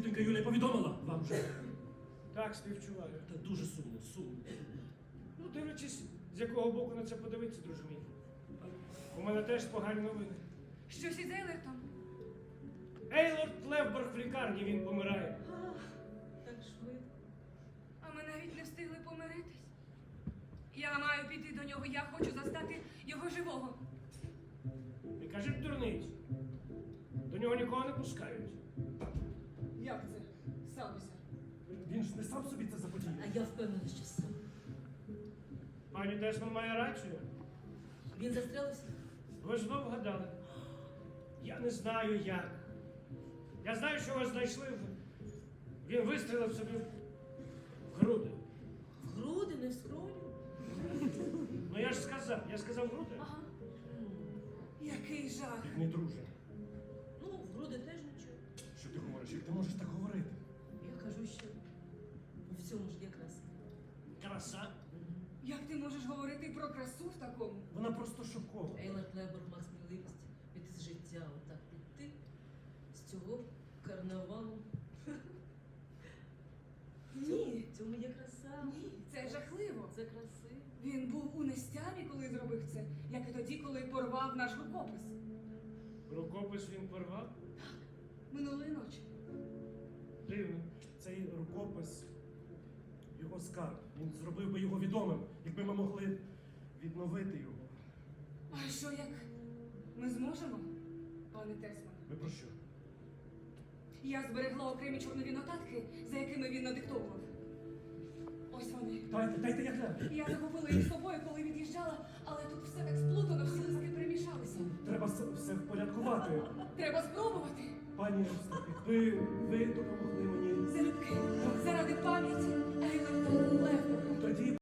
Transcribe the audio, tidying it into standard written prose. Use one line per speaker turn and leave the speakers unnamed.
Тітонька Юлія повідомила вам вже.
Так, співчуваю.
Та дуже сумно, сумно.
Ну, дивлячись, з якого боку на це подивитися, друже мій. У мене теж погані новини.
Щось із Ейлертом?
Ейлорд Левборг в лікарні, він помирає.
Так швидко.
А ми навіть не встигли помиритись. Я маю піти до нього, я хочу застати його живого.
І каже дурниць. До нього нікого не пускають.
Як це? Сталося?
Він ж не сам собі це заподіяв.
А я впевнена, що сам.
Пані Тесман має рацію.
Він застрелився?
Ви ж знов вгадали. Я не знаю як. Я знаю, що вас знайшли. Він вистрілив собі в груди.
В груди, не в скроню?
Ну я ж сказав груди.
Ага. Який жах.
Як не друже.
Ну, в груди теж нічого.
Що ти говориш? Як ти можеш так говорити?
Я кажу, що у всьому ж є краса.
Краса.
Як ти можеш говорити про красу в такому?
Вона просто шокована.
Ейлард Леборг мав сміливість піти з життя, отак піти з цього карнавалу.
Ні.
В цьому є краса.
Ні, це жахливо.
Це красиво.
Він був у нестямі, коли зробив це, як і тоді, коли порвав наш рукопис.
Рукопис він порвав.
Минулої ночі.
Дивно.
Цей рукопис, його скарб. Він зробив би його відомим, якби ми могли відновити його.
А що як ми зможемо, пане Тесман?
Ви про що?
Я зберегла окремі чорнові нотатки, за якими він надиктовував. Ось вони.
Дайте я гляну.
Я захопила їх з собою, коли від'їжджала, але тут все так сплутано, всі листки перемішалися.
Треба все впорядкувати.
Треба спробувати.
Пані Евстафі, ви допоможете.